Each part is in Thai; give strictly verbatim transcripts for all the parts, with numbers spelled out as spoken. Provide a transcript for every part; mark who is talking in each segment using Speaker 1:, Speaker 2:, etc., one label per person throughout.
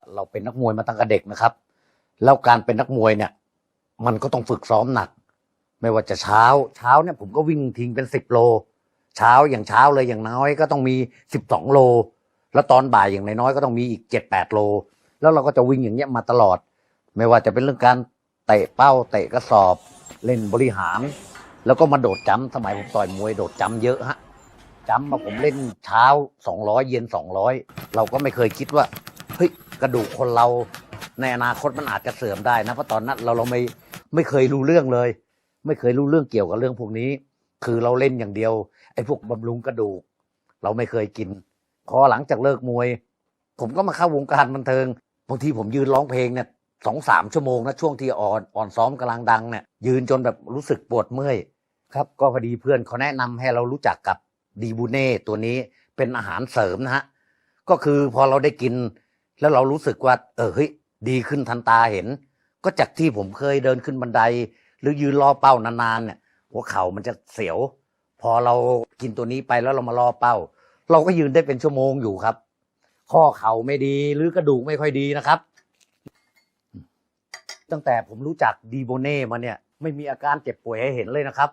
Speaker 1: เราเป็นนักมวยมาตั้งแต่เด็กนะครับแล้วการเป็นนักมวยเนี่ยมันก็ต้องฝึกซ้อมหนักไม่ว่าจะเช้าเช้าเนี่ยผมก็วิ่งทิ้งเป็นสิบโลเช้าอย่างเช้าเลยอย่างน้อยก็ต้องมีสิบสองโลแล้วตอนบ่ายอย่างน้อยๆก็ต้องมีอีกเจ็ดแปดโลแล้วเราก็จะวิ่งอย่างเงี้ยมาตลอดไม่ว่าจะเป็นเรื่องการเตะเป้าเตะกระสอบเล่นบริหารแล้วก็มาโดดจัมป์สมัยผมต่อยมวยโดดจัมป์เยอะฮะจัมป์มาผมเล่นเช้าสองร้อยเย็นสองร้อยเราก็ไม่เคยคิดว่าเฮ้ยกระดูกคนเราในอนาคตมันอาจจะเสื่อมได้นะเพราะตอนนั้นเราเราไม่ไม่เคยรู้เรื่องเลยไม่เคยรู้เรื่องเกี่ยวกับเรื่องพวกนี้คือเราเล่นอย่างเดียวไอ้พวกบำรุงกระดูกเราไม่เคยกินพอหลังจากเลิกมวยผมก็มาเข้าวงการบันเทิงบางทีผมยืนร้องเพลงเนี่ยสองสามชั่วโมงนะช่วงที่อ่อนอ่อนซ้อมกำลังดังเนี่ยยืนจนแบบรู้สึกปวดเมื่อยครับก็พอดีเพื่อนเขาแนะนำให้เรารู้จักกับดีบูเน่ตัวนี้เป็นอาหารเสริมนะฮะก็คือพอเราได้กินแล้วเรารู้สึกว่าเออเฮ้ยดีขึ้นทันตาเห็นก็จากที่ผมเคยเดินขึ้นบันไดหรือยืนรอเป้านานๆเนี่ยหัวเข่ามันจะเสียวพอเรากินตัวนี้ไปแล้วเรามารอเป้าเราก็ยืนได้เป็นชั่วโมงอยู่ครับข้อเข่าไม่ดีหรือกระดูกไม่ค่อยดีนะครับตั้งแต่ผมรู้จักดีโบเน่มาเนี่ยไม่มีอาการเจ็บป่วยให้เห็นเลยนะครับ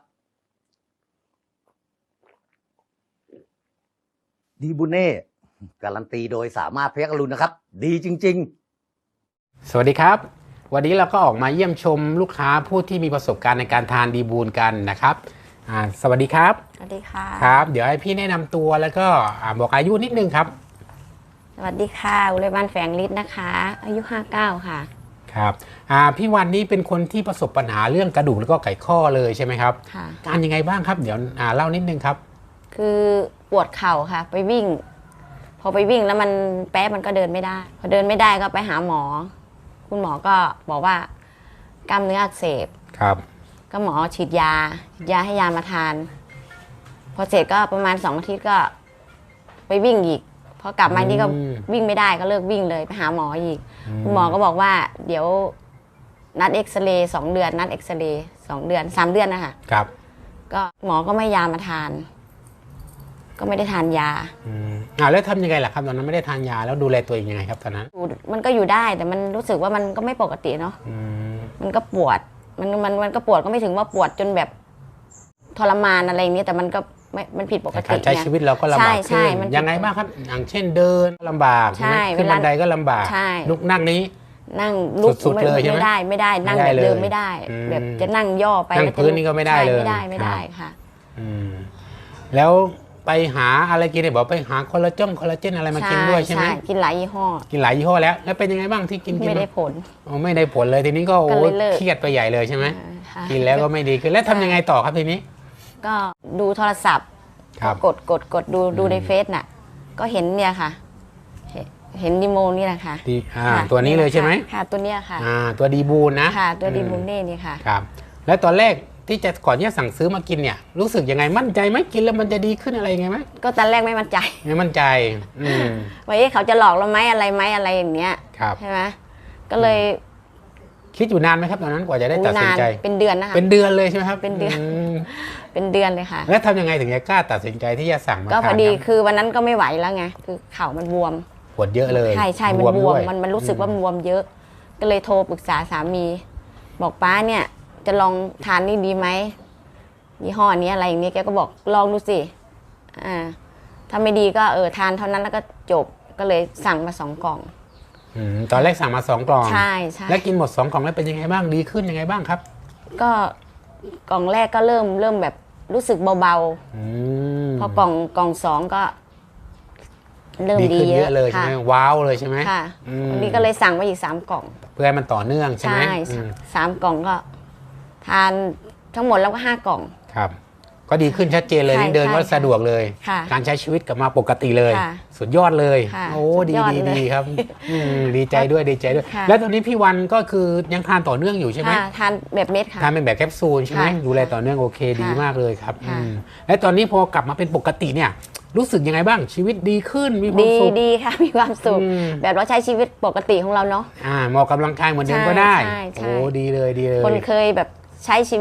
Speaker 1: ดีโบเน่การันตีโดยสามารถพยัคฆ์อรุณนะครับดีจริงๆ
Speaker 2: สวัสดีครับวันนี้เราก็ออกมาเยี่ยมชมลูกค้าผู้ที่มีประสบการณ์ในการทานดีบูนกันนะครับอ่าสวัสดีครับ
Speaker 3: สวัสดีค่ะ
Speaker 2: ครับเดี๋ยวให้พี่แนะนำตัวแล้วก็บอกอายุนิดนึงครับ
Speaker 3: สวัสดีค่ะอุไรวันแฝงฤทธิ์นะคะอายุห้าสิบเก้าค่ะ
Speaker 2: ครับอ่าพี่วันนี้เป็นคนที่ประสบปัญหาเรื่องกระดูกแล้วก็ไขข้อเลยใช่ไหมครับ
Speaker 3: ค่ะ
Speaker 2: การยังไงบ้างครับเดี๋ยวอ่าเล่านิดนึงครับ
Speaker 3: คือปวดเข่าค่ะไปวิ่งพอไปวิ่งแล้วมันแป๊บมันก็เดินไม่ได้พอเดินไม่ได้ก็ไปหาหมอคุณหมอก็บอกว่ากล้ามเนื้ออักเสบ
Speaker 2: ครับ
Speaker 3: ก็หมอฉีดยาฉีดยาให้ยามาทานพอเสร็จก็ประมาณสองอาทิตย์ก็ไปวิ่งอีกพอกลับมาที่ก็วิ่งไม่ได้ก็เลิกวิ่งเลยไปหาหมออีกคุณหมอก็บอกว่าเดี๋ยวนัดเอ็กซเรย์สองเดือนนัดเอ็กซเรย์สองเดือนสามเดือนนะคะ
Speaker 2: ครับ
Speaker 3: ก็หมอก็ไม่ยามาทานก็ไม่ได้ทานยา
Speaker 2: อืมอ่าแล้วทำยังไงล่ะครับตอนนั้นไม่ได้ทานยาแล้วดูแลตัวเองยังไงครับตอนนั้น
Speaker 3: มันก็อยู่ได้แต่มันรู้สึกว่ามันก็ไม่ปกติเนาะมันก็ปวดมันมันมันก็ปวดก็ไม่ถึงว่าปวดจนแบบทรมานอะไรอย่างนี้แต่มันก็ไม่มันผิดปกติ
Speaker 2: การใช้ชีวิตเราก็ลำบากขึ้นยังไงบ้างครับอย่างเช่นเดินลำบากขึ้นบันไดก็ลำบากลุกนั่งนี้
Speaker 3: นั่งลุก
Speaker 2: สุดๆเลยใช่ไหม
Speaker 3: ไม่ได้ไม่ได้นั่งแบบเดิมไม่ได้แบบจะนั่งย่อไป
Speaker 2: นั่งพื้นนี่ก็ไม่ได้เลย
Speaker 3: ไม่ได้ไม่ได้ค่ะ
Speaker 2: แล้วไปหาอะไรกินเนี่ยบอกไปหาคอลลาเจนคอลลาเจนอะไรมากินด้วยใช่ไหม
Speaker 3: กินหลายยี่ห้อ
Speaker 2: กินหลายยี่ห้อแล้วแล้วเป็นยังไงบ้างที่กิน
Speaker 3: ไม่ได้ผล
Speaker 2: อ๋อไม่ได้ผลเลยทีนี้ก็โอ้เครียดไปใหญ่เลยใช่ไหมกินแล้วก็ไม่ดีขึ้นแล้วทำยังไงต่อครับทีนี้
Speaker 3: ก็ดูโทรศัพท์กดกดกดดูดูในเฟซน่ะก็เห็นเนี่ยค่ะเห็นดีโมนี่แหละค่ะ
Speaker 2: ตัวนี้เลยใช่ไหม
Speaker 3: ค่ะตัวเนี้ยค่ะ
Speaker 2: ตัวดีบูนนะ
Speaker 3: ค่ะตัวดีบูนนี่นี่ค่ะ
Speaker 2: ครับแล้วตอนแรกที่จะก่อนที่จะสั่งซื้อมากินเนี่ยรู้สึกยังไงมั่นใจไหมกินแล้วมันจะดีขึ้นอะไรยังไงไหม
Speaker 3: ก็ตอนแรกไม่มั่นใจ
Speaker 2: ไม่มั่นใจ
Speaker 3: ว่าเขาจะหลอกเราไหมอะไรไหมอะไรอย่างเงี้ยใช่ไหมก็เลย
Speaker 2: คิดอยู่นานไหมครับตอนนั้นกว่าจะได้ตัดสินใจ
Speaker 3: เป็นเดือนนะคะ
Speaker 2: เป็นเดือนเลยใช่ไหมครับ
Speaker 3: เป็นเดือนเป็นเดือนเลยค่ะ
Speaker 2: แล้วทำยังไงถึงจะกล้าตัดสินใจที่จะสั่งมา
Speaker 3: ก็พอดีคือวันนั้นก็ไม่ไหวแล้วไงคือเข่ามันบวม
Speaker 2: ปวดเยอะเลย
Speaker 3: ใช่ใช่มันบวมมันมันรู้สึกว่าบวมเยอะก็เลยโทรปรึกษาสามีบอกป้าเนี่ยจะลองทานนี่ดีไหมยี่ห้อนี้อะไรอย่างนี้แกก็บอกลองดูสิอ่าถ้าไม่ดีก็เออทานเท่านั้นแล้วก็จบก็เลยสั่งมาสองกล่อง
Speaker 2: ตอนแรกสั่งมาสองกล่อง
Speaker 3: ใช่ใช่
Speaker 2: แล้วกินหมดสองกล่องแล้วเป็นยังไงบ้างดีขึ้นยังไงบ้างครับ
Speaker 3: ก็กล่องแรกก็เริ่มเริ่มแบบรู้สึกเบาๆพอกล่องกล่องสองก็เริ่มดี
Speaker 2: เยอะเลยใช่ไหมว้าวเลยใช่ไหม
Speaker 3: ค่ะวันนี้ก็เลยสั่งมาอีกสามกล่อง
Speaker 2: เพื่อให้มันต่อเนื่องใช่ไหม
Speaker 3: ใช่สามกล่องก็ทานทั้งหมดแล้วก็ห้ากล่อง
Speaker 2: ครับก็ดีขึ้นชัดเจนเลยเดินก็สะดวกเลยการใช้ชีวิตกลับมาปกติเลยสุดยอดเลยโอ้ดีดีดีครับดีใจด้วยดีใจด้วยแล้วตอนนี้พี่วันก็คือยังทานต่อเนื่องอยู่ใช่ไหม
Speaker 3: ทานแบบเม็ดค่ะ
Speaker 2: ทานเป็นแบบแคปซูลใช่ไหมดูแลต่อเนื่องโอเคดีมากเลยครับและตอนนี้พอกลับมาเป็นปกติเนี่ยรู้สึกยังไงบ้างชีวิตดีขึ้นมีความสุข
Speaker 3: ดีค่ะมีความสุขแบบเราใช้ชีวิตปกติของเราเนาะ
Speaker 2: อ่าหมอกกำลังกายเหมือนเดิมก็ได้โอ้ดีเลยดีเลย
Speaker 3: คนเคยแบบใช้ชีวิต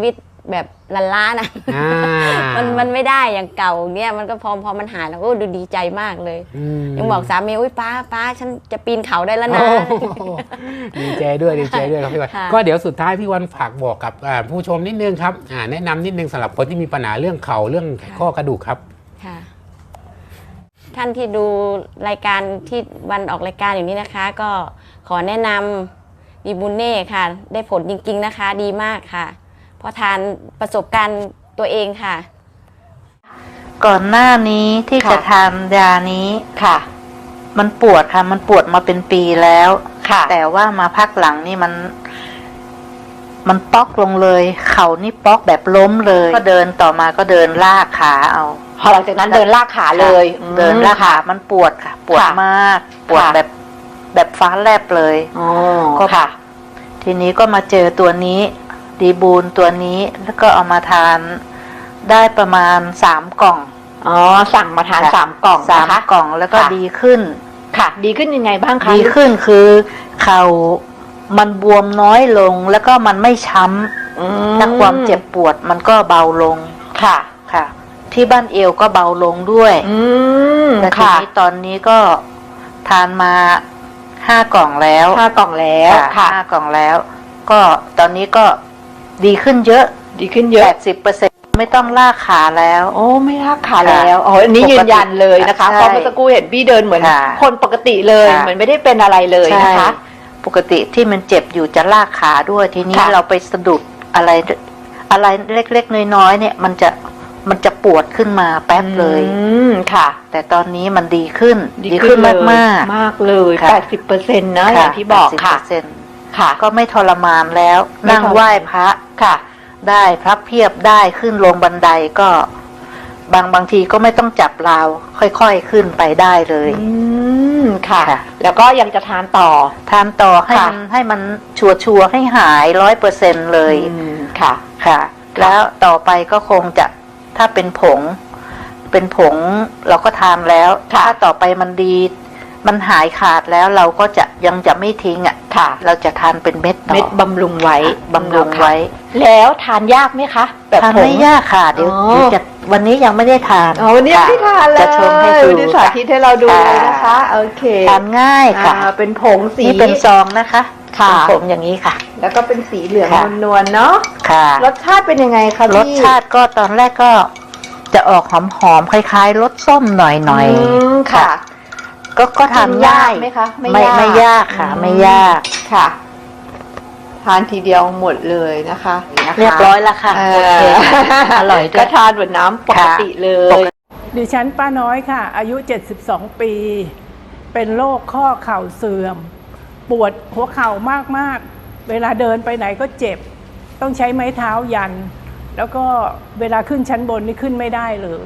Speaker 3: แบบลันล้านะ
Speaker 2: อ่า
Speaker 3: มันมันไม่ได้อย่างเก่าเนี่ยมันก็พอพอมันหายแล้วก็ดูดีใจมากเลย ยังบอกสามีอุ้ยป้าป้าฉันจะปีนเขาได้แล้วนะ
Speaker 2: โอ้โหดีใจด้วยดีใจด้วยครับพี่วัน
Speaker 3: ค่ะ
Speaker 2: ก็เดี๋ยวสุดท้ายพี่วันฝากบอกกับอ่าผู้ชมนิดนึงครับอ่าแนะนำนิดนึงสำหรับคนที่มีปัญหาเรื่องเข่าเรื่องข้อกระดูกครับ
Speaker 3: ค่ะท่านที่ดูรายการที่วันออกรายการอยู่นี้นะคะ ก็ขอแนะนำดีบูเน่ค่ะ ได้ผลจริงๆนะคะ ดีมากค่ะเพราะทานประสบการณ์ตัวเองค่ะ
Speaker 4: ก่อนหน้านี้ที่
Speaker 5: ค่ะ
Speaker 4: จะทานยานี้
Speaker 5: ค่ะ
Speaker 4: มันปวดค่ะ มันปวดมาเป็นปีแล้ว
Speaker 5: ค่ะ
Speaker 4: แต่ว่ามาพักหลังนี่มัน มันป๊อกลงเลย เข่านี่ป๊อกแบบล้มเลย ก็เดินต่อมาก็เดินลากขาเอา
Speaker 5: พอหลังจากนั้นเดินลากขาเลย
Speaker 4: เดินลากขา มันปวดค่ะ ปวด
Speaker 5: ค่ะ
Speaker 4: มาก ปวด
Speaker 5: ค่ะ
Speaker 4: แบบแบบฟ้าแลบเลย
Speaker 5: อ๋อ
Speaker 4: ก็
Speaker 5: ค่ะ
Speaker 4: ทีนี้ก็มาเจอตัวนี้ ดีบูนตัวนี้ แล้วก็เอามาทานได้ประมาณสามกล่อง
Speaker 5: อ๋อ สั่งมาทาน
Speaker 4: ค่ะ
Speaker 5: สามกล่อง
Speaker 4: สาม
Speaker 5: นะคะ
Speaker 4: กล่องแล้วก็
Speaker 5: ค่ะ
Speaker 4: ดีขึ้น
Speaker 5: ค่ะ ดีขึ้นยังไงบ้างคะ
Speaker 4: ดีขึ้นคือเข่ามันบวมน้อยลง แล้วก็มันไม่ช้
Speaker 5: อื
Speaker 4: ำและความเจ็บปวดมันก็เบาลง
Speaker 5: ค่ะ
Speaker 4: ค่ะ ที่บ้านเอวก็เบาลงด้วย
Speaker 5: อืม
Speaker 4: และที
Speaker 5: ค่ะ
Speaker 4: นี้ตอนนี้ก็ทานมาห้ากล่องแล้ว
Speaker 5: ห้ากล่องแล้ว
Speaker 4: ค่ะ
Speaker 5: ค่ะ
Speaker 4: ห้ากล่องแล้ว ก็ตอนนี้ก็ดีขึ้นเยอะ
Speaker 5: ดีขึ้นเย
Speaker 4: แป
Speaker 5: อะ
Speaker 4: ดสิบเปอร์เซ็นต์ไม่ต้องลากขาแล้ว
Speaker 5: โอ้ไม่ลากขาแล้วอ๋ออันนี้
Speaker 4: ปกติ
Speaker 5: ยืนยันเลยนะคะ
Speaker 4: ใช่
Speaker 5: เพราะเมื่อสักครู่เห็นพี่เดินเหมือน
Speaker 4: ค่ะ
Speaker 5: คนปกติเลย
Speaker 4: ค่ะ
Speaker 5: เหมือนไม่ได้เป็นอะไรเลยนะคะ
Speaker 4: ใช่ปกติที่มันเจ็บอยู่จะลากขาด้วยทีนี้
Speaker 5: ค่ะ
Speaker 4: เราไปสะดุดอะไร อะไรเล็กๆน้อยๆเนี่ย มันจะมันจะปวดขึ้นมาแป๊บเลย
Speaker 5: อืมค่ะ
Speaker 4: แต่ตอนนี้มันดีขึ้น
Speaker 5: เลย
Speaker 4: มากๆ
Speaker 5: มากเลย
Speaker 4: ค่ะ
Speaker 5: แปดสิบเปอร์เซ็นต์นะอย่างที่บอกค่ะ
Speaker 4: แปดสิเปอร์เซ็นต์
Speaker 5: ค่ะ
Speaker 4: ก็ไม่ทรมานแล้ว
Speaker 5: ไม่
Speaker 4: นั่ง
Speaker 5: ทรมาน
Speaker 4: ไหว้พระ
Speaker 5: ค่ะ
Speaker 4: ได้พระเพียบได้ขึ้นลงบันไดก็ บางบางทีก็ไม่ต้องจับราว ค่อยๆขึ้นไปได้เลย
Speaker 5: อืมค่ะ
Speaker 4: ค่ะ
Speaker 5: แล้วก็ยังจะทานต่อ
Speaker 4: ทานต่อให้
Speaker 5: ค่ะ
Speaker 4: มันให้มันชัวชัวร์ๆให้หายร้อยเปอร์เซ็นเลย
Speaker 5: อืมค่ะ
Speaker 4: ค่ะ แล้วต่อไปก็คงจะถ้าเป็นผง เป็นผงเราก็ทานแล้ว
Speaker 5: ค่ะ
Speaker 4: ถ้าต่อไปมันดี มันหายขาดแล้วเราก็จะยังจะไม่ทิ้งอ่ะ
Speaker 5: ค่ะ
Speaker 4: เราจะทานเป็นเม็ดต่อ
Speaker 5: เม็ดบำรุงไว้
Speaker 4: บำรุงไว้
Speaker 5: แล้วทานยากไหมคะ แบบ
Speaker 4: ทาน
Speaker 5: ผง
Speaker 4: ไม่ยากค่ะเดี๋ยว
Speaker 5: อ๋อ
Speaker 4: เดี๋ยวจะวันนี้ยังไม่ได้ทาน
Speaker 5: อ๋อวันนี้ไม่ได้ทานเลย
Speaker 4: จะชงให้ดู
Speaker 5: วันนี้สาธิตให้เราดูเลยนะคะ โอเค
Speaker 4: ทานง่ายค่ะ
Speaker 5: อ่าเป็นผงสี
Speaker 4: นี่เป็นซองนะคะ
Speaker 5: ค่ะ
Speaker 4: เป็นผงอย่างนี้ค่ะ
Speaker 5: แล้วก็เป็นสีเหลือง
Speaker 4: ค่ะ
Speaker 5: นวลๆเนาะ
Speaker 4: ค่ะ
Speaker 5: รสชาติเป็นยังไงคะ
Speaker 4: ร
Speaker 5: พี่
Speaker 4: สชาติก็ตอนแรกก็จะออกหอมๆคล้ายๆรสส้มหน่อย
Speaker 5: อืม
Speaker 4: ๆ
Speaker 5: ค่ะ
Speaker 4: ก็ก็ทานง่าย
Speaker 5: กินยากไหมคะไม่
Speaker 4: ไม่
Speaker 5: ยาก
Speaker 4: ไม่ยากค่ะ
Speaker 5: อืม
Speaker 4: ไม่ยาก
Speaker 5: ค่ะ ทานทีเดียวหมดเลยนะคะนะคะ
Speaker 4: เรียบร้อยแล้วค่ะ
Speaker 5: เอ
Speaker 4: โอเค
Speaker 5: อ
Speaker 4: อร่อยด้ว
Speaker 5: ก็
Speaker 4: ย
Speaker 5: ทานเหมือนน้ำปกติเลย
Speaker 6: ดิฉันป้าน้อยค่ะ อายุ เจ็ดสิบสอง ปี เป็นโรคข้อเข่าเสื่อม ปวดหัวเข่ามากๆ เวลาเดินไปไหนก็เจ็บ ต้องใช้ไม้เท้ายัน แล้วก็เวลาขึ้นชั้นบนนี่ขึ้นไม่ได้เลย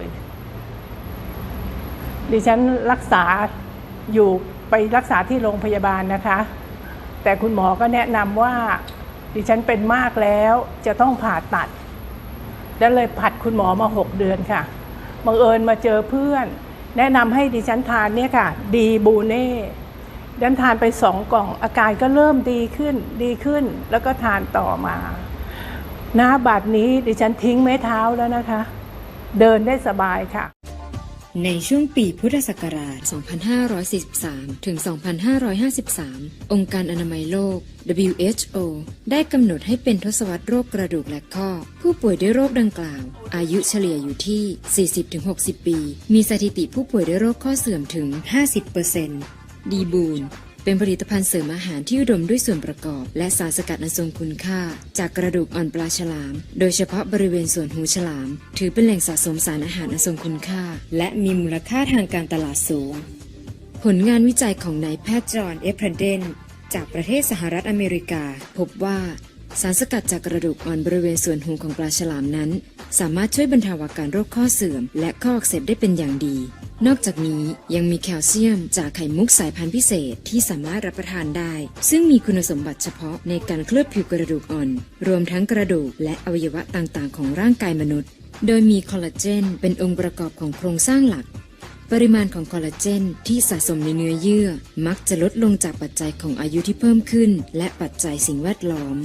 Speaker 6: ดิฉันรักษาอยู่ไปรักษาที่โรงพยาบาลนะคะ แต่คุณหมอก็แนะนำว่า ดิฉันเป็นมากแล้วจะต้องผ่าตัด แล้วเลยผัดคุณหมอมาหกเดือนค่ะบังเอิญมาเจอเพื่อน แนะนำให้ดิฉันทานเนี่ยค่ะ ดีบูเน่ดิฉันทานไปสองกล่องอาการก็เริ่มดีขึ้นดีขึ้น แล้วก็ทานต่อมาณบัดนี้ดิฉันทิ้งไม้เท้าแล้วนะคะ เดินได้สบายค่ะ
Speaker 7: ในช่วงปีพุทธศักราช สองพันห้าร้อยสี่สิบสาม ถึง สองพันห้าร้อยห้าสิบสาม องค์การอนามัยโลก ดับเบิลยู เอช โอ ได้กำหนดให้เป็นทศวรรษโรคกระดูกและข้อ ผู้ป่วยด้วยโรคดังกล่าว อายุเฉลี่ยอยู่ที่ สี่สิบถึงหกสิบ ปี มีสถิติผู้ป่วยด้วยโรคข้อเสื่อมถึง ห้าสิบเปอร์เซ็นต์ ดีบูนเป็นผลิตภัณฑ์เสริมอาหารที่อุดมด้วยส่วนประกอบ และสารสกัดอันทรงคุณค่า จากกระดูกอ่อนปลาฉลาม โดยเฉพาะบริเวณส่วนหูฉลาม ถือเป็นแหล่งสะสมสารอาหารอันทรงคุณค่า และมีมูลค่าทางการตลาดสูง ผลงานวิจัยของนายแพทย์จอห์น เอฟ เพรนเดนจากประเทศสหรัฐอเมริกา พบว่าสารสกัดจากกระดูกอ่อนบริเวณส่วนหูของปลาฉลามนั้น สามารถช่วยบรรเทาอาการโรคข้อเสื่อม และข้ออักเสบได้เป็นอย่างดี นอกจากนี้ยังมีแคลเซียมจากไข่มุกสายพันธุ์พิเศษที่สามารถรับประทานได้ ซึ่งมีคุณสมบัติเฉพาะในการเคลือบผิวกระดูกอ่อน รวมทั้งกระดูกและอวัยวะต่างๆ ของร่างกายมนุษย์ โดยมีคอลลาเจนเป็นองค์ประกอบของโครงสร้างหลัก ปริมาณของคอลลาเจนที่สะสมในเนื้อเยื่อมักจะลดลงจากปัจจัยของอายุที่เพิ่มขึ้นและปัจจัยสิ่งแวดล้อม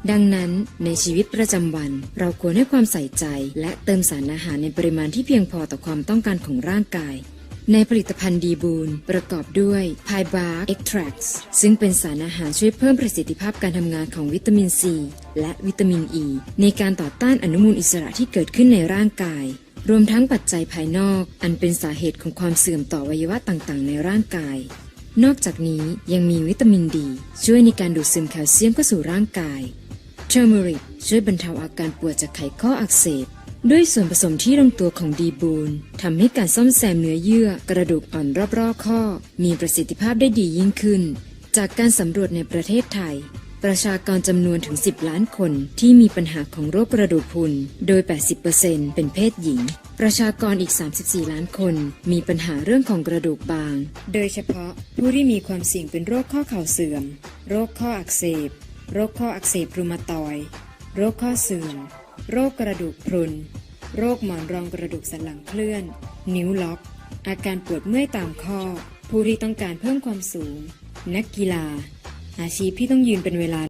Speaker 7: ดังนั้นในชีวิตประจำวันเราควรให้ความใส่ใจและเติมสารอาหารในปริมาณที่เพียงพอต่อความต้องการของร่างกายในผลิตภัณฑ์ดีบูนประกอบด้วย Pie Bark Extracts ซึ่งเป็นสารอาหารช่วยเพิ่มประสิทธิภาพการทำงานของวิตามินซีและวิตามินอ e ีในการต่อต้านอนุมูลอิสระที่เกิดขึ้นในร่างกายรวมทั้งปัจจัยภายนอกอันเป็นสาเหตุของความเสื่อมต่ออวัยวะต่างๆในร่างกายนอกจากนี้ยังมีวิตามินดีช่วยในการดูดซึมแคลเซียมเข้าสู่ร่างกายเทอร์เมริกช่วยบรรเทาอาการปวดจากไขข้ออักเสบด้วยส่วนผสมที่ลงตัวของดีบูนทำให้การซ่อมแซมเนื้อเยื่อกระดูกอ่อนรอบๆข้อมีประสิทธิภาพได้ดียิ่งขึ้นจากการสำรวจในประเทศไทยประชากรจำนวนถึงสิบล้านคนที่มีปัญหาของโรคกระดูกพรุนโดย แปดสิบเปอร์เซ็นต์ เป็นเพศหญิงประชากรอีกสามสิบสี่ล้านคนมีปัญหาเรื่องของกระดูกบางโดยเฉพาะผู้ที่มีความเสี่ยงเป็นโรคข้อเข่าเสื่อมโรคข้ออักเสบโรคข้ออักเสบรูมาตอยด์โรคข้อเสื่อมโรคกระดูกพรุนโรคหมอนรองกระดูกสันหลังเคลื่อนนิ้วล็อกอาการปวดเมื่อยตามข้อผู้ที่ต้องการเพิ่มความสูงนักกีฬาอาชีพที่ต้องยืนเป็นเวลา